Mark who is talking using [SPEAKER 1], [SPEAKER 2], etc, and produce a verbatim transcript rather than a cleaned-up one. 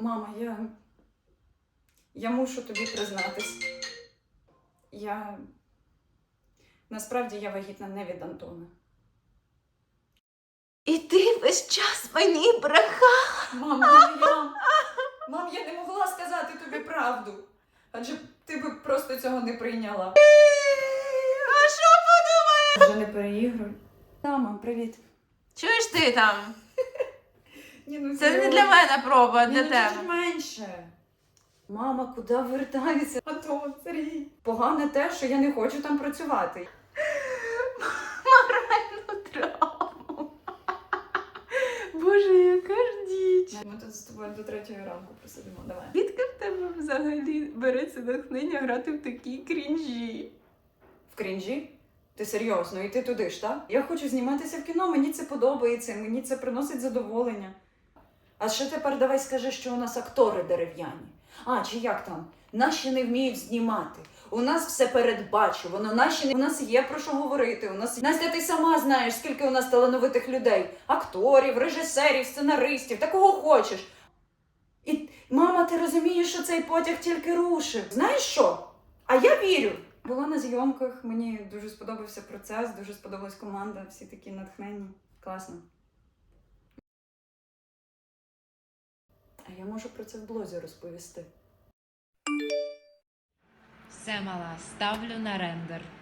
[SPEAKER 1] Мама, я. Я мушу тобі признатись. Я. Насправді я вагітна не від Антона.
[SPEAKER 2] І ти весь час мені брехала.
[SPEAKER 1] Мам, не я. Мам, я не могла сказати тобі правду. Адже ти би просто цього не прийняла.
[SPEAKER 2] А що подумає?
[SPEAKER 1] Вже не переігруй. Та, мам, привіт.
[SPEAKER 2] Чуєш ти там?
[SPEAKER 1] Ні, ну,
[SPEAKER 2] Це не
[SPEAKER 1] серйозно.
[SPEAKER 2] для мене проба, а
[SPEAKER 1] Ні,
[SPEAKER 2] для
[SPEAKER 1] ну,
[SPEAKER 2] тебе.
[SPEAKER 1] чуть менше. Мама, куди вертається? Антон, Сергій. Погане те, що я не хочу там працювати.
[SPEAKER 2] Моральну травму. Боже, яка ж діч.
[SPEAKER 1] Ми тут з тобою до третьої ранку просидимо, давай.
[SPEAKER 2] Звідки в тебе взагалі береться натхнення грати в такі крінжі?
[SPEAKER 1] В крінжі? Ти серйозно, і ти туди ж, так? Я хочу зніматися в кіно, мені це подобається, мені це приносить задоволення. А ще тепер давай скажи, що у нас актори дерев'яні. А, чи як там? Наші не вміють знімати. У нас все передбачувано, наші не... У нас є про що говорити. У нас... Настя, ти сама знаєш, скільки у нас талановитих людей. Акторів, режисерів, сценаристів, та кого хочеш. І, мама, ти розумієш, що цей потяг тільки рушив. Знаєш що? А я вірю. Була на зйомках, мені дуже сподобався процес, дуже сподобалась команда, всі такі натхненні. Класно. А я можу про це в блозі розповісти.
[SPEAKER 3] Все, мала, ставлю на рендер.